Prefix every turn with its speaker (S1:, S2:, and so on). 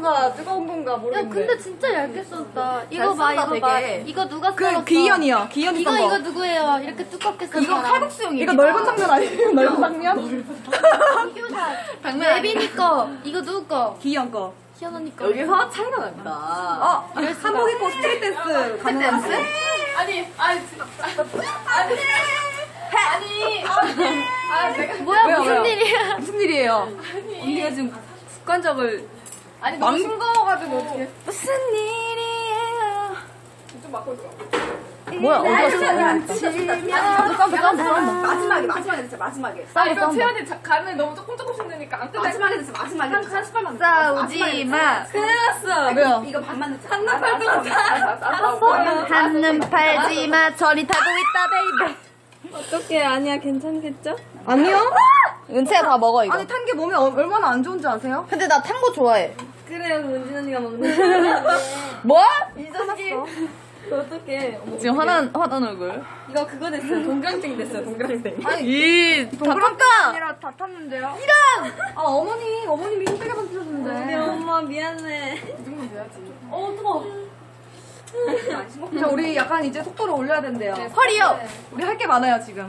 S1: 건가 뜨거운 건가
S2: 야
S1: 모르겠는데.
S2: 근데 진짜 얇게 썼다. 이거 봐 이거
S3: 되게.
S2: 봐. 이거 누가 썰었어?
S1: 그 기현이요. 기현이
S2: 이거
S1: 썬 거.
S2: 이거 누구예요? 이렇게 두껍게 썬
S3: 이거
S2: 사람.
S3: 칼국수용이.
S1: 이거 넓은 장면 아니에요? 넓은 장면?
S2: 당면 예빈이 거. 이거 누구 거?
S1: 기현 거.
S2: 희연 언니 거.
S3: 여기서 차이가 난다.
S1: 한복 입고 스트릿 댄스 가능한 거.
S2: 뭐야
S1: 왜요,
S2: 무슨
S1: 왜요?
S2: 일이야?
S1: 무슨 일이에요? 언니가 지금 습관적을
S3: 아니 너무 싱거워가지고 어떻게?
S1: 무슨 일이에요?
S3: 좀 막고 있어.
S1: 뭐야 어디가
S3: 마지막에 진짜 마지막에.
S1: 싸워
S3: 채연이 간을 너무 조금씩 넣으니까 안 끝날. 마지막에 진짜 마지막에. 한 30발만.
S2: 싸우지 마.
S1: 큰일 났어. 왜요?
S3: 이거 반만 넣자.
S1: 한눈 팔지
S3: 알았어.
S2: 한눈 팔지 마. 저리 타고 있다 베이베.
S4: 어떡해, 아니야, 괜찮겠죠?
S1: 아니요?
S2: 은채가 다 먹어 이거.
S1: 아니 탄 게 몸에 얼마나 안 좋은지 아세요?
S2: 근데 나 탄 거 좋아해.
S4: 그래요, 은진 언니가 먹는
S2: 뭐?
S4: 거. 어떡해. 어머,
S1: 지금 화난 얼굴.
S4: 이거 그거 됐어요. 동그랑땡 됐어요, 동그랑땡.
S1: 이
S2: 동그랗다.
S1: 아니라 다 탔는데요? 이런! 아 어머님이 힘들게
S4: 우리
S1: 만드셨는데.
S4: 엄마 미안해. 어, 뜨거워.
S1: 자 우리 약간 이제 속도를 올려야 된대요.
S2: 헐이요.
S1: 우리 할 게 많아요 지금.